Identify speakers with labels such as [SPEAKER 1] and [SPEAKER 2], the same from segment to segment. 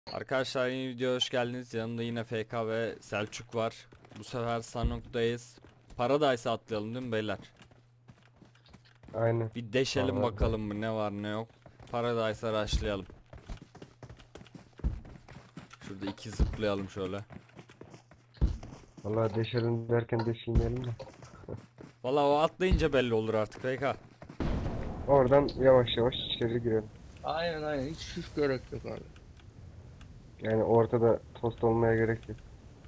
[SPEAKER 1] Arkadaşlar yeni videoya hoş geldiniz. Yanımda yine FK ve Selçuk var. Bu sefer Sanok'tayız. Paradise'a atlayalım değil mi beyler?
[SPEAKER 2] Aynen.
[SPEAKER 1] Bir deşelim
[SPEAKER 2] Vallahi
[SPEAKER 1] bakalım mı ne var ne yok. Paradise'a rushlayalım. Şurada iki zıplayalım şöyle.
[SPEAKER 2] Vallahi deşelim derken deşilmeyelim de.
[SPEAKER 1] Valla o atlayınca belli olur artık FK.
[SPEAKER 2] Oradan yavaş yavaş içeri girelim.
[SPEAKER 3] Aynen hiç gerek yok abi.
[SPEAKER 2] Yani ortada tost olmaya gerek yok.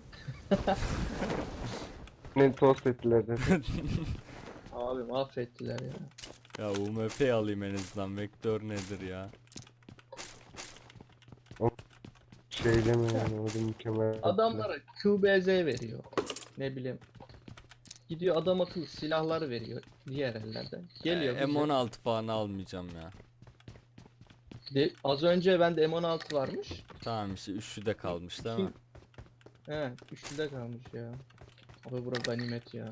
[SPEAKER 2] Ne tost ettiler zaten.
[SPEAKER 3] Abi mahvettiler ya.
[SPEAKER 1] Ya UMP alayım en azından. Vektör nedir ya?
[SPEAKER 2] Şey deme yani, o da mükemmel.
[SPEAKER 3] Adamlara QBZ veriyor. Ne bileyim. Gidiyor adam akıllı silahlar veriyor diğer ellerden. Geliyor bize.
[SPEAKER 1] M16 falan almayacağım ya.
[SPEAKER 3] Az önce bende M16 varmış.
[SPEAKER 1] Tamam işte üçlü de kalmış değil mi?
[SPEAKER 3] He, üçlüde kalmış ya. Abi bura ganimet ya.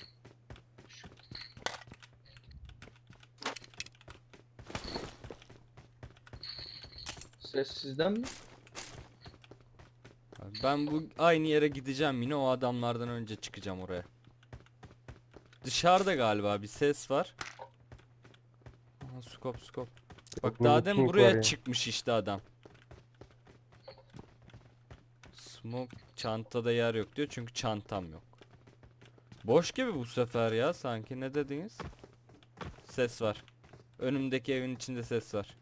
[SPEAKER 3] Ses sizden mi?
[SPEAKER 1] Ben bu aynı yere gideceğim yine o adamlardan önce çıkacağım oraya. Dışarıda galiba bir ses var. Aha, skop. Bak
[SPEAKER 2] Yok,
[SPEAKER 1] daha demin
[SPEAKER 2] King
[SPEAKER 1] buraya
[SPEAKER 2] var ya.
[SPEAKER 1] çıkmış işte adam. Smoke çantada yer yok diyor çünkü çantam yok. Boş gibi bu sefer ya sanki, ne dediniz? Ses var. Önümdeki evin içinde ses var.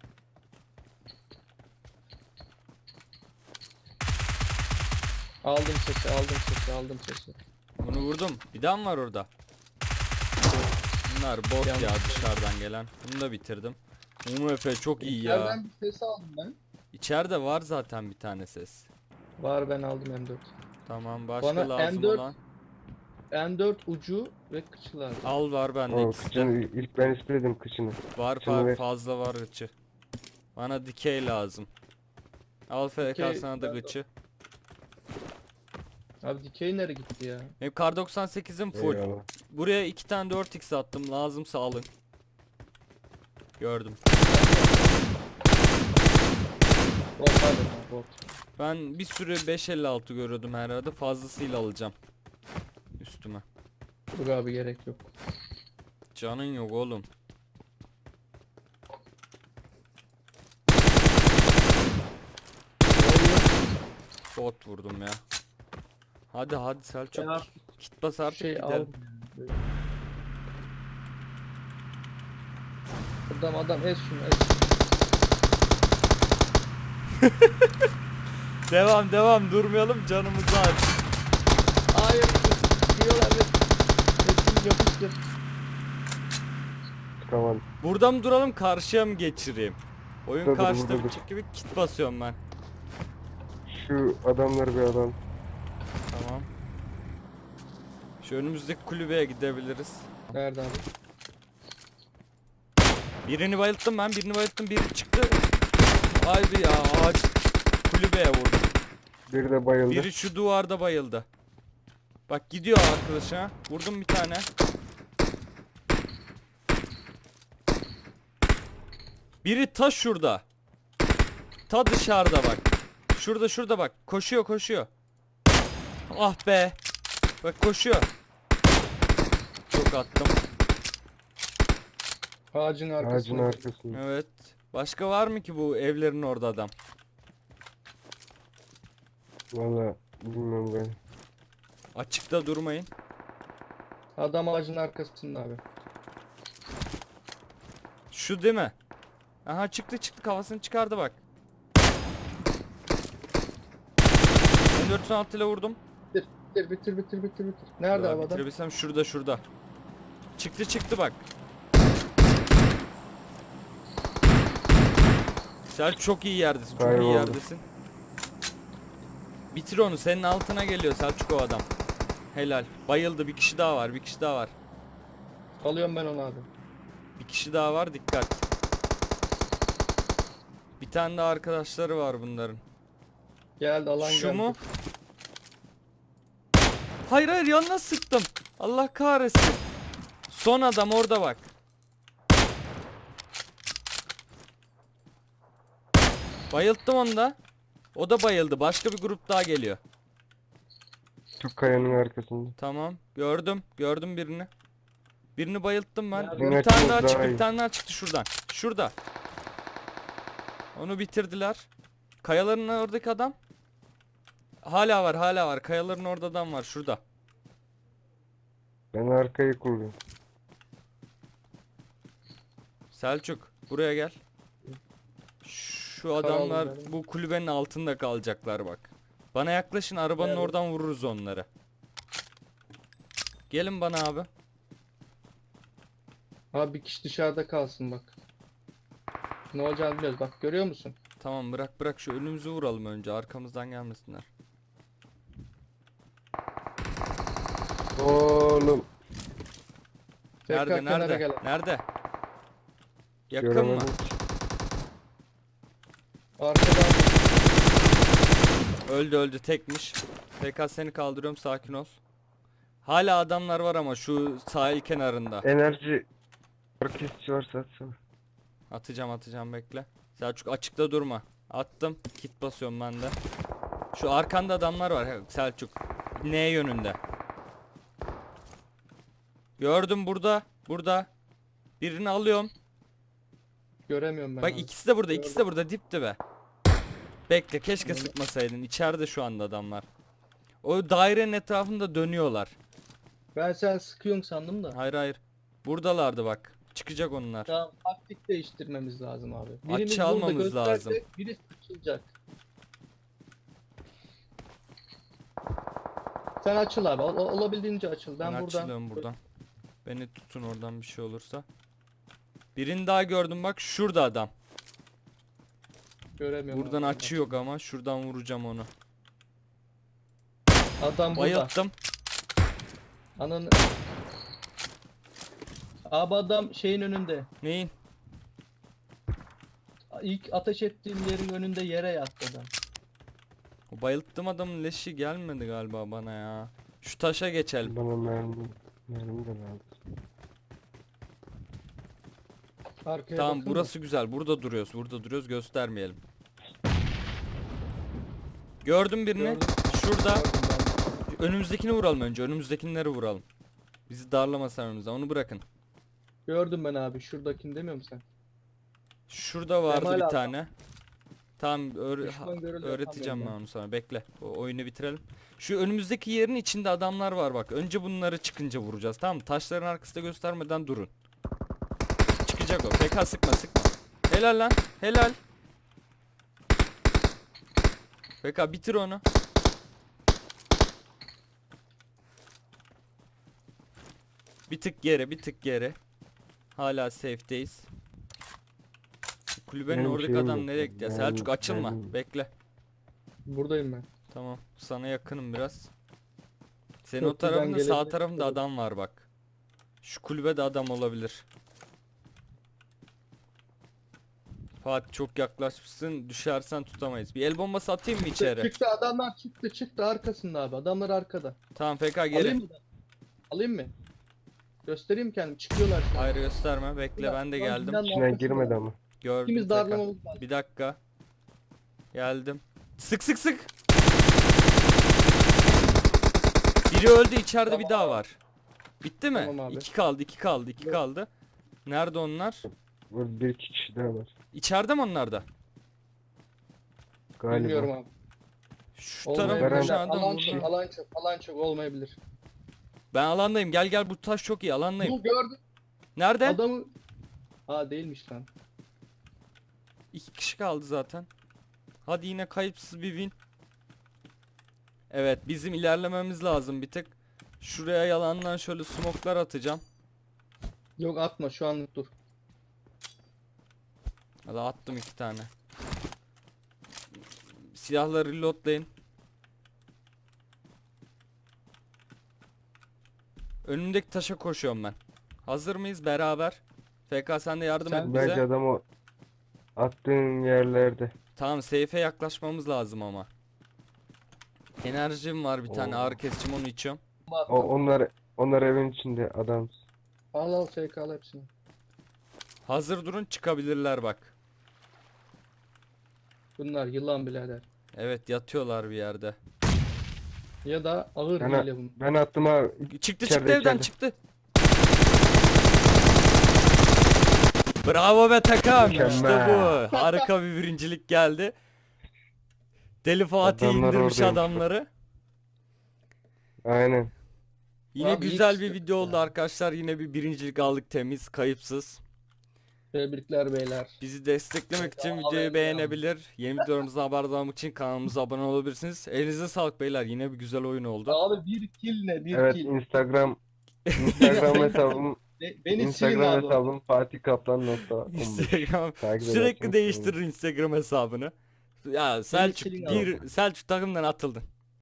[SPEAKER 3] Aldım sesi.
[SPEAKER 1] Bunu vurdum. Bir daha mı var orada? Bunlar bot ya
[SPEAKER 3] Yanlış.
[SPEAKER 1] dışarıdan gelen. Bunu da bitirdim. UMP çok iyi ya.
[SPEAKER 3] Nereden bir ses aldım ben?
[SPEAKER 1] İçeride var zaten bir tane ses.
[SPEAKER 3] Var, ben aldım M4.
[SPEAKER 1] Tamam, başka
[SPEAKER 3] Bana
[SPEAKER 1] lazım
[SPEAKER 3] M4
[SPEAKER 1] olan.
[SPEAKER 3] M4 ucu ve kıçı lazım.
[SPEAKER 1] Al, var bende
[SPEAKER 2] O
[SPEAKER 1] ikisi de.
[SPEAKER 2] kıçını ilk ben istedim kıçını.
[SPEAKER 1] Var
[SPEAKER 2] kıçını ver.
[SPEAKER 1] fazla var gıçı. Bana dikey lazım. Al FK
[SPEAKER 3] Dikey,
[SPEAKER 1] sana da
[SPEAKER 3] ben de-
[SPEAKER 1] gıçı.
[SPEAKER 3] Abi dikey nereye gitti ya?
[SPEAKER 1] Benim kar 98'im full.
[SPEAKER 2] Eyvallah.
[SPEAKER 1] Buraya 2 tane 4x attım. Lazımsa alın. Gördüm.
[SPEAKER 3] Bot pardon ya, bot.
[SPEAKER 1] Ben bir sürü 556 görüyordum herhalde. Fazlasıyla alacağım. Üstüme.
[SPEAKER 3] Dur abi, gerek yok.
[SPEAKER 1] Canın yok oğlum. Bot vurdum ya. Hadi Selçuk.
[SPEAKER 3] Ya,
[SPEAKER 1] Kit bas artık
[SPEAKER 3] şey al.
[SPEAKER 1] gidelim.
[SPEAKER 3] Adam ez şunu ez.
[SPEAKER 1] Devam durmayalım, canımızı aç.
[SPEAKER 3] Hayır. Diyorlar ve hepsini yapıştır.
[SPEAKER 2] Çıkamadım.
[SPEAKER 1] Burada mı duralım, karşıya mı geçireyim? Oyun
[SPEAKER 2] Dur,
[SPEAKER 1] karşıda
[SPEAKER 2] dur.
[SPEAKER 1] bitecek gibi kit basıyorum ben.
[SPEAKER 2] Şu adamları bir alalım.
[SPEAKER 1] Tamam. Şu önümüzdeki kulübeye gidebiliriz.
[SPEAKER 3] Nerede abi?
[SPEAKER 1] Birini bayılttım ben, biri çıktı. Haydi ya, ağaç kulübeye vurdum.
[SPEAKER 2] Biri de bayıldı.
[SPEAKER 1] Biri şu duvarda bayıldı. Bak gidiyor arkadaşa. Vurdum bir tane. Biri ta şurada. Ta dışarıda bak. Şurada bak. Koşuyor. Ah be. Bak koşuyor. Çok attım.
[SPEAKER 3] Ağacın arkasında.
[SPEAKER 2] Ağacın arkasında.
[SPEAKER 1] Evet. Başka var mı ki bu evlerin orada adam?
[SPEAKER 2] Vallahi bilmiyorum ben.
[SPEAKER 1] Açıkta durmayın.
[SPEAKER 3] Adam ağacın arkasında abi.
[SPEAKER 1] Şu değil mi? Aha çıktı kafasını çıkardı bak. Ben 416 ile vurdum.
[SPEAKER 3] Bitir. Nerede
[SPEAKER 1] Ya,
[SPEAKER 3] abi adam?
[SPEAKER 1] bitirebilsem şurada. Çıktı bak. Sen çok iyi yerdesin. Çok iyi
[SPEAKER 2] Kayboldu.
[SPEAKER 1] yerdesin. Bitir onu. Senin altına geliyor Selçuk o adam. Helal. Bayıldı. Bir kişi daha var.
[SPEAKER 3] Alıyorum ben onu abi.
[SPEAKER 1] Bir kişi daha var. Dikkat. Bir tane de arkadaşları var bunların.
[SPEAKER 3] Geldi alan
[SPEAKER 1] Şu
[SPEAKER 3] geldi.
[SPEAKER 1] mu? Hayır yanına sıktım. Allah kahretsin. Son adam orada bak. Bayılttım onu da. O da bayıldı. Başka bir grup daha geliyor.
[SPEAKER 2] Şu kayanın arkasında.
[SPEAKER 1] Tamam. Gördüm. Gördüm birini. Birini bayılttım ben.
[SPEAKER 3] Nerede?
[SPEAKER 1] Bir tane daha
[SPEAKER 2] Daha
[SPEAKER 1] çıktı.
[SPEAKER 2] iyi.
[SPEAKER 1] Bir tane daha çıktı şuradan. Şurada. Onu bitirdiler. Kayaların oradaki adam. Hala var, hala var. Kayaların orada adam var. Şurada.
[SPEAKER 2] Ben arkayı kullanıyorum.
[SPEAKER 1] Selçuk, buraya gel. Şu adamlar
[SPEAKER 3] Kayalıların.
[SPEAKER 1] bu kulübenin altında kalacaklar bak. Bana yaklaşın, arabanın
[SPEAKER 3] Nerede?
[SPEAKER 1] oradan vururuz onları. Gelin bana abi.
[SPEAKER 3] Abi bir kişi dışarıda kalsın bak. Ne olacağını bilmiyoruz. Bak görüyor musun?
[SPEAKER 1] Tamam, bırak bırak, şu önümüzü vuralım önce, arkamızdan gelmesinler.
[SPEAKER 2] Oğlum.
[SPEAKER 3] Tekrar
[SPEAKER 1] Nerede
[SPEAKER 3] kenara
[SPEAKER 1] nerede?
[SPEAKER 3] gel.
[SPEAKER 1] Nerede? Yakın mı?
[SPEAKER 2] Göremedim.
[SPEAKER 3] Arkadan
[SPEAKER 1] Öldü öldü, tekmiş. PK seni kaldırıyorum, sakin ol. Hala adamlar var ama şu sahil kenarında.
[SPEAKER 2] Enerji kesici varsa atsana.
[SPEAKER 1] Atacağım bekle. Selçuk açıkta durma. Attım. Kit basıyorum ben de. Şu arkanda adamlar var Selçuk. N yönünde. Gördüm burada. Burada. Birini alıyorum.
[SPEAKER 3] göremiyorum ben
[SPEAKER 1] Bak
[SPEAKER 3] abi.
[SPEAKER 1] ikisi de burada.
[SPEAKER 3] Gördüm.
[SPEAKER 1] İkisi de burada dip dibe. Bekle, keşke
[SPEAKER 3] Hı.
[SPEAKER 1] sıkmasaydın. İçeride şu anda adamlar. O dairenin etrafında dönüyorlar.
[SPEAKER 3] Ben sen sıkıyorsun sandım da.
[SPEAKER 1] Hayır hayır. Buradalardı bak. Çıkacak onlar.
[SPEAKER 3] Tamam, taktik değiştirmemiz lazım abi. Birimiz
[SPEAKER 1] Açı
[SPEAKER 3] burada
[SPEAKER 1] almamız
[SPEAKER 3] gösterecek,
[SPEAKER 1] lazım.
[SPEAKER 3] biri açılacak. Sen açıl abi. Olabildiğince açıl. Ben buradan.
[SPEAKER 1] açılıyorum buradan. Beni tutun oradan bir şey olursa. Birini daha gördüm bak. Şurada adam.
[SPEAKER 3] Göremiyorum.
[SPEAKER 1] Buradan
[SPEAKER 3] abi.
[SPEAKER 1] açı yok ama şuradan vuracağım onu.
[SPEAKER 3] Adam burada.
[SPEAKER 1] Bayılttım.
[SPEAKER 3] Ananı. Abi adam şeyin önünde.
[SPEAKER 1] Neyin?
[SPEAKER 3] İlk ateş ettiğim yerin önünde yere yattı adam.
[SPEAKER 1] O bayılttım adamın leşi gelmedi galiba bana ya. Şu taşa geçelim.
[SPEAKER 2] Bana mermi de lazım.
[SPEAKER 3] Arkaya
[SPEAKER 1] Tamam,
[SPEAKER 3] bakın da.
[SPEAKER 1] burası güzel. Burada duruyoruz. Burada duruyoruz. Göstermeyelim. Gördüm birini.
[SPEAKER 3] Gördüm.
[SPEAKER 1] Şurada.
[SPEAKER 3] Gördüm ben.
[SPEAKER 1] Önümüzdekini vuralım önce. Önümüzdekileri vuralım. Bizi darlamasın önümüzde. Onu bırakın.
[SPEAKER 3] Gördüm ben abi. Şuradakini demiyor musun sen?
[SPEAKER 1] Şurada vardı
[SPEAKER 3] Kemal
[SPEAKER 1] bir
[SPEAKER 3] abi.
[SPEAKER 1] tane. Tamam,
[SPEAKER 3] Düşman görüldü,
[SPEAKER 1] öğreteceğim ben
[SPEAKER 3] yapamıyorum
[SPEAKER 1] onu sana. Bekle. O oyunu bitirelim. Şu önümüzdeki yerin içinde adamlar var bak. Önce bunları çıkınca vuracağız. Tamam mı? Taşların arkasında göstermeden durun. Çıkacak o. PK sıkma sıkma. Helal lan. Helal. PK bitir onu. Bir tık geri, bir tık geri. Hala safe'deyiz. Kulübenin
[SPEAKER 2] Benim
[SPEAKER 1] oradaki
[SPEAKER 2] şeyim
[SPEAKER 1] adam
[SPEAKER 2] yok
[SPEAKER 1] nereye
[SPEAKER 2] ya,
[SPEAKER 1] gitti ya?
[SPEAKER 2] mermi-
[SPEAKER 1] Selçuk açılma.
[SPEAKER 2] mermi-
[SPEAKER 1] Bekle.
[SPEAKER 3] Buradayım ben.
[SPEAKER 1] Tamam. Sana yakınım biraz. Senin o
[SPEAKER 3] Köprüden
[SPEAKER 1] tarafında, sağ
[SPEAKER 3] gelebilecek
[SPEAKER 1] tarafında
[SPEAKER 3] olur.
[SPEAKER 1] adam var bak. Şu kulübede adam olabilir. Fatih çok yaklaşmışsın. Düşersen tutamayız. Bir el bombası atayım mı içeri?
[SPEAKER 3] Çıktı adamlar, çıktı arkasında abi. Adamlar arkada.
[SPEAKER 1] Tamam PK geri.
[SPEAKER 3] Alayım mı? Alayım mı? Göstereyim kendim. Çıkıyorlar şu an.
[SPEAKER 1] Hayır gösterme. Bekle, ben de
[SPEAKER 3] Şu an
[SPEAKER 1] geldim.
[SPEAKER 3] binanın
[SPEAKER 2] İçine
[SPEAKER 3] arkasında.
[SPEAKER 2] girmedi ama.
[SPEAKER 1] Gördüm
[SPEAKER 3] İkimiz
[SPEAKER 1] PK.
[SPEAKER 3] darlamamız lazım.
[SPEAKER 1] Bir dakika. Geldim. Sık sık sık. Biri öldü, içeride bir daha var. Bitti mi?
[SPEAKER 3] Tamam abi.
[SPEAKER 1] İki kaldı, iki kaldı, iki
[SPEAKER 3] Yok.
[SPEAKER 1] kaldı. Nerede onlar?
[SPEAKER 2] Burada bir iki kişi daha var.
[SPEAKER 1] İçeride mi onlar da?
[SPEAKER 2] Galiba.
[SPEAKER 3] Bilmiyorum abi.
[SPEAKER 1] Şu
[SPEAKER 3] Olmayabilir.
[SPEAKER 1] tarafın
[SPEAKER 2] Garanti-
[SPEAKER 1] adam
[SPEAKER 3] Alan
[SPEAKER 1] vurdu.
[SPEAKER 3] çok, alan çok olmayabilir.
[SPEAKER 1] Ben alandayım. Gel gel, bu taş çok iyi, alandayım.
[SPEAKER 3] Bu gördüm.
[SPEAKER 1] Nerede?
[SPEAKER 3] Adamı... Aa değilmiş lan.
[SPEAKER 1] İki kişi kaldı zaten. Hadi yine kayıpsız bir win. Evet, bizim ilerlememiz lazım bir tık. Şuraya yalandan şöyle smoklar atacağım.
[SPEAKER 3] Yok atma şu anlık dur.
[SPEAKER 1] Hadi attım iki tane. Silahları reloadlayın. Önümdeki taşa koşuyorum ben. Hazır mıyız beraber? FK sen de yardım
[SPEAKER 3] Sen-
[SPEAKER 1] et
[SPEAKER 2] Bence
[SPEAKER 1] bize.
[SPEAKER 2] adam o attığın yerlerde.
[SPEAKER 1] Tamam, safe'e yaklaşmamız lazım ama. Enerjim var bir tane,
[SPEAKER 2] Oo.
[SPEAKER 1] ağrı kesicim, onu içiyorum.
[SPEAKER 2] Onlar evin içinde adam.
[SPEAKER 3] Al FK al hepsini.
[SPEAKER 1] Hazır durun, çıkabilirler bak.
[SPEAKER 3] Bunlar yılan birader.
[SPEAKER 1] Evet, yatıyorlar bir yerde.
[SPEAKER 3] Ya da ağır
[SPEAKER 2] Ben,
[SPEAKER 3] hile bunlar.
[SPEAKER 2] ben attım abi.
[SPEAKER 1] Çıktı
[SPEAKER 2] İçeride,
[SPEAKER 1] çıktı evden
[SPEAKER 2] içeride.
[SPEAKER 1] çıktı. Bravo be takım. İşte
[SPEAKER 2] Mükemmel.
[SPEAKER 1] bu. Harika bir birincilik geldi. Deli Fatih
[SPEAKER 2] Adamlar
[SPEAKER 1] indirmiş
[SPEAKER 2] oradaymış.
[SPEAKER 1] adamları.
[SPEAKER 2] Aynen.
[SPEAKER 1] Yine
[SPEAKER 3] Abi
[SPEAKER 1] güzel
[SPEAKER 3] ilk
[SPEAKER 1] bir video oldu
[SPEAKER 3] ya.
[SPEAKER 1] arkadaşlar. Yine bir birincilik aldık, temiz, kayıpsız.
[SPEAKER 3] Tebrikler beyler.
[SPEAKER 1] Bizi desteklemek için
[SPEAKER 3] Bedava
[SPEAKER 1] videoyu
[SPEAKER 3] verdi
[SPEAKER 1] beğenebilir. Yeni videolarımızdan haberdar olmak için kanalımıza abone olabilirsiniz. Elinize sağlık beyler. Yine bir güzel oyun oldu.
[SPEAKER 3] Abi bir kill ne? Bir
[SPEAKER 2] Evet,
[SPEAKER 3] kill.
[SPEAKER 2] Instagram hesabım
[SPEAKER 3] Beni silin
[SPEAKER 2] Instagram
[SPEAKER 3] abi.
[SPEAKER 2] hesabım fatikkaplan.15.
[SPEAKER 1] Instagram
[SPEAKER 2] Takip
[SPEAKER 1] sürekli
[SPEAKER 2] ederseniz
[SPEAKER 1] değiştirir Instagram hesabını. Ya Selçuk
[SPEAKER 3] silin abi.
[SPEAKER 1] Selçuk takımdan atıldın.